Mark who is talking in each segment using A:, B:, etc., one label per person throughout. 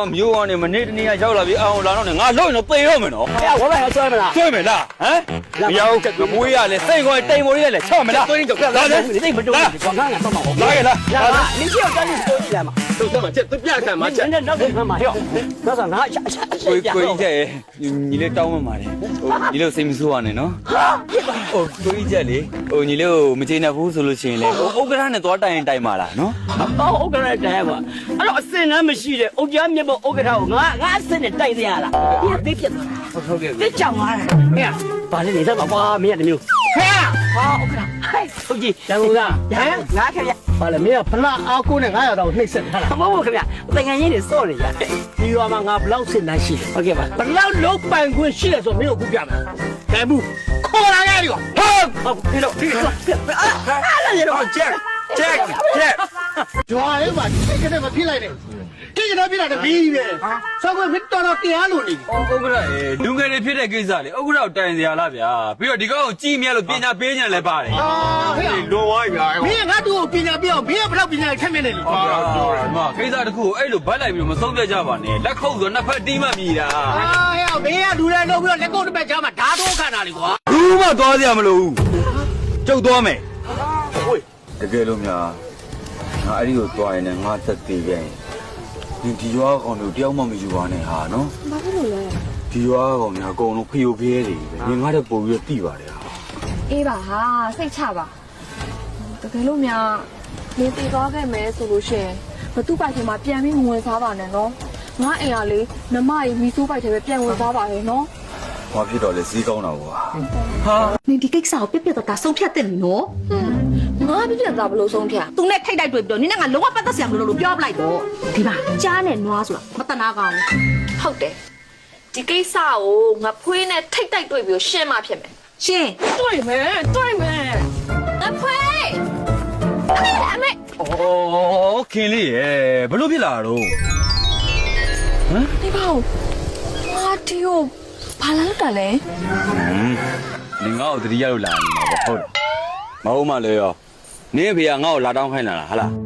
A: မျိုးကနေမနေ့တနေ့ကရောက်လာပြီးအောင်လာတော့ငါလုံးရင်တော့သေတော့မယ်နော်
B: 哎呀，我晚上睡没啦？
A: ဆွဲမယ်လားဟမ်မရောက်ငမွေးရလဲစိတ်ခေါ်တိမ်မော်လေးလဲချော့မလားသွင်းကြောက်လာတယ်
B: 你这不中，光看看帮忙我。
A: လာခဲ့လား
B: 你需要赶紧收起来嘛。
A: 都这么这都别看嘛这
B: 人家那干嘛要？那啥拿下。
A: ကိုကြီးချက်ညီလေးတောင်းမှပါတယ်ဟိုညီလေးစိတ်မဆိုးရနဲ့နော်ဟိုကိုကြီးချက်လေဟိုညီလေးကိုမကျေနပ်ဘူးဆိုလို့ရှိရင်လေဟိုဥက္ကဋ္ဌနဲ့သွားတိုင်ရင်တိုင်ပါလားနော်
B: 哦，ဥက္ကဋ္ဌတိုင်ပါအဲ့တော့အစင်လည်းမရှိတဲ့ဥက္ကဋ္ဌမြတ်ဘဥက္ကဋ္ဌကိုငါအစင်နဲ့တိုင်ရလားဒီသိပြတ်သွား
A: ဟုတ်ကဲ့
B: သိကြောင်သွားတယ်ဟဲ့ဘာလဲနေတော့ကွာမင်းရတမျိုးဟဲ့ဟာဥက္ကဋ္ဌဟဲ့ဟုတ်ကြီးရန်ကုန်ကဟမ်ငါခင်ဗျဘာလဲမင်းကဖလားအားကိုနဲ့900တောင်နှိမ့်ဆက်ထားတာမဟုတ်ဘူးခင်ဗျတန်ငယ်ရင်းနေစော့နေရတယ်ဒီရွာမှာငါဘလောက်စင်နိုင်ရှိတယ်ဟုတ်ကဲ့ပါဘလောက်လုံးပိုင်ခွင့်ရှိတယ်ဆိုမင်းကိုခုပြမယ်ကဲဘူးခေါ်လာခဲ့ပြီဟုတ်ဒီတော့အဲ့ဒါရတော့ချက်
C: ကျွာလေးမှာတိတ်ကနေမဖြစ်လိုက်နဲ့တိတ်ကနေဖြစ်လာတယ်ပြီးပဲဆောက်ခွင့်ဖြစ်တော်တရားလို့နေပြီ
A: ဥက္ကဋ္ဌလူငယ်တွေဖြစ်တဲ့ကိစ္စလေဥက္ကဋ္ဌကိုတိုင်စရာလားဗျာပြီးတော့ဒီကောင်ကိုကြည်မြတ်လို့ပညာပေးညံလည်းပါတယ်
C: ဟဲ့
A: လွန်သွားပြီဗျာ
C: မင်းငါတို့ကိုပညာပြအောင်မင်းကဘလောက်ပညာထက်မြက်နေလဲ
A: ဟုတ်ကဲ့ဒီမှာကိစ္စတစ်ခုကိုအဲ့လိုဗတ်လိုက်ပြီးတော့မဆုံးဖြတ်ကြပါနဲ့လက်ခုပ်ဆိုနှစ်ဖက်တီးမှမြည်တာ
C: ဟဲ့မင်းကလူတွေလုံးပြီးတော့လက်ကုပ်တစ်ပတ်ချာမှာဓာတ်တော့ခံတာလေကွာ
A: ဘူးမှသွားစရာမလိုဘူးကျုပ်သွားမယ်ဟိုတကယ်လို့များငါအဲ့ဒီကိုသွားရင်လည်းငါသက်သေးပြန်ဒီရွာကောင်တို့တယောက်မှမယူပါနဲ့ဟာနော်
D: ဘာဖြစ်လို့လဲ
A: ဒီရွာကောင်များအကုန်လုံးဖျို့ဖျဲတွေပဲငါတို့ပို့ပြီးတော့တိပါတယ်ဟာ
D: အေးပါဟာစိတ်ချပါတကယ်လို့များနေတည်သွားခဲ့မယ်ဆိုလို့ရှိရင်ဘသူ့ပိုက်ထဲမှာပြန်ပြီးဝင်စားပါနဲ့နော်ငါအိမ်ကလေနမကြီးမီဆိုးပိုက်ထဲပဲပြန်ဝင်စားပါရဲ့နော်
A: ဘာဖြစ်တော့လဲစီးကောင်းတာကွာ
D: ဟာနေဒီကိစ္စကိုပြက်တော့ဒါဆုံးဖြတ်တယ်နော်ငါပြက်တာဘလို့ဆုံးဖြတ်သူနဲ့ထိတ်တိုက်တွေ့ပြီးတော့နင်းနဲ့ငါလုံးဝပတ်သက်စရာမလိုလို့ပြောပလိုက်တော့ဒီမှာကြားနဲ့နွားဆိုတာမတနာကောင်းဘူးဟုတ်တယ်ဒီကိစ္စကိုငါဖွေးနဲ့ထိတ်တိုက်တွေ့ပြီးရှင်းမှဖြစ်မယ်ရှင်း
B: တွေ့မယ်
D: ငါဖွေးအမေ
A: ဩခင်လေးရေဘလို့ဖြစ်လာတော့ဟမ်
D: ဒီပေါ့ငါဒီကိုဘာလာလို့တာလဲ
A: နင်ငါ့ကိုတတိယလို့လာနေမှာပေါ့ဟုတ်တယ်မဟုတ်မှလေရောနင်းဖေကငါ့ကိုလာတောင်းခိုင်းလာတာဟာလား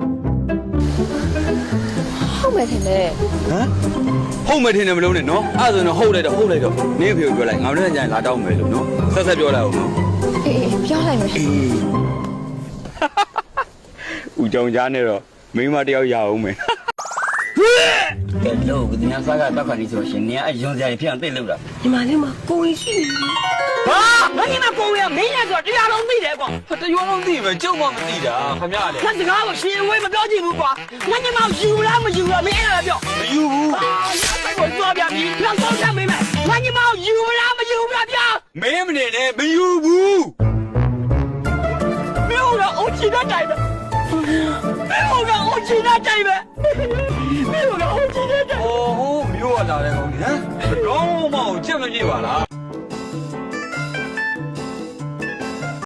D: ဟုတ်မယ်ထင်တယ်
A: ဟမ်ဟုတ်မယ်ထင်တယ်မလုံးနဲ့နော်အဲ့ဒါဆိုရင်ဟုတ်လိုက်တော့နင်းဖေကိုပြောလိုက်ငါတို့ကညာလာတောင်းမယ်လို့နော်ဆက်ပြောလိုက်အောင်နော်
D: အေးပြောလိုက်မယ်
A: အေးဦးကြောင်ကြားနဲ့တော့မိန်းမတယောက်ရအောင်မယ်ကဲလို့ဒီနေ့စားကတော့ခါနေဆိုရှင်နင်ကအယွန်စရာဖြစ်အောင်တိတ်လောက်တာ
B: ဒီမှာလေးမှာကိုဝင်ရှိနေဟာငါညီမကိုဝင်ကမင်းရဲ့ဆိုတရားလုံးသိတယ်ကွာ
A: တရွာလုံးသိမယ်ကျုပ်မှမသိတာခမရလေ
B: ငါစကားကိုရှင်ဝေးမပြောကြည့်ဘူးကွာငါညီမယူလားမယူလားမင်းအဲ့ဒါပြော
A: မယူဘူး
B: ဟာငါကိုသွားပြပြီပြန်တော့ချက်မင်းမငါညီမယူလားမယူလားဗျာ
A: မင်းမနေနဲ့မယူဘူး
B: မင်းတို့အချီတဲ့တိုင်ပဲမင်းတို့အချီတဲ့တိုင်ပဲမင်းတို့အချီတဲ့တိုင်
A: 哦，没有啊，大人，你看，刚嘛，这么几把了。